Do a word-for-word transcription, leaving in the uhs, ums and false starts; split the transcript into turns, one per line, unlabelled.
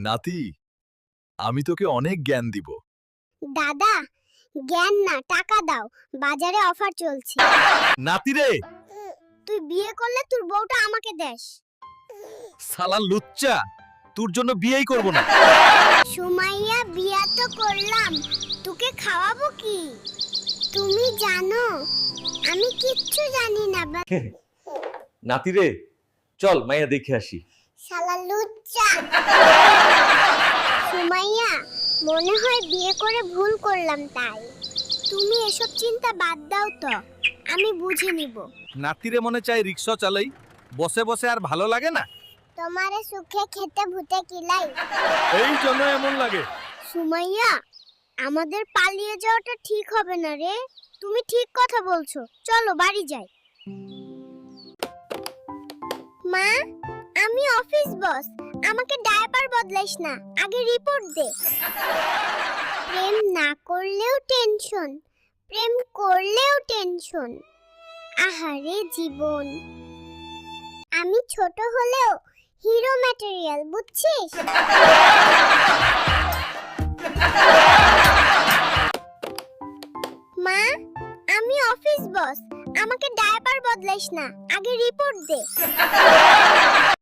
নাতি, আমি তোকে অনেক জ্ঞান দিব।
দাদা, জ্ঞান না, টাকা দাও, বাজারে অফার চলছে।
নাতি রে,
তুই বিয়ে করলে তোর বউটা আমাকে দেস।
সালা লুচ্চা, তোর জন্য বিয়েই করব না।
সুমাইয়া, বিয়া তো করলাম, তোকে খাওয়াবো কি? তুমি জানো আমি কিচ্ছু জানি না। বা-
নাতি রে, চল মাইয়া দেখে আসি।
শালা লুচ্চা। সুমাইয়া, মনে হয় বিয়ে করে ভুল করলাম তাই। তুমি এসব চিন্তা বাদ দাও তো, আমি বুঝে নিব।
নাতিরে মনে চাই রিক্সা চালাই, বসে বসে আর ভালো লাগে না।
তোমারে সুখে খেতে ভূতে কিলাই।
এই জন্য এমন লাগে।
সুমাইয়া, আমাদের পালিয়ে যাওয়াটা ঠিক হবে না রে। তুমি ঠিক কথা বলছো, চলো বাড়ি যাই। মা, আমি অফিস বস, আমাকে ডায়াপার বদলাইস না, আগে রিপোর্ট দে। প্রেম না করলেও টেনশন, প্রেম করলেও টেনশন। আহারে জীবন। আমি ছোট হলেও হিরো ম্যাটেরিয়াল, বুঝছিস? মা, আমি অফিস বস, আমাকে ডায়াপার বদলাইস না, আগে রিপোর্ট দে।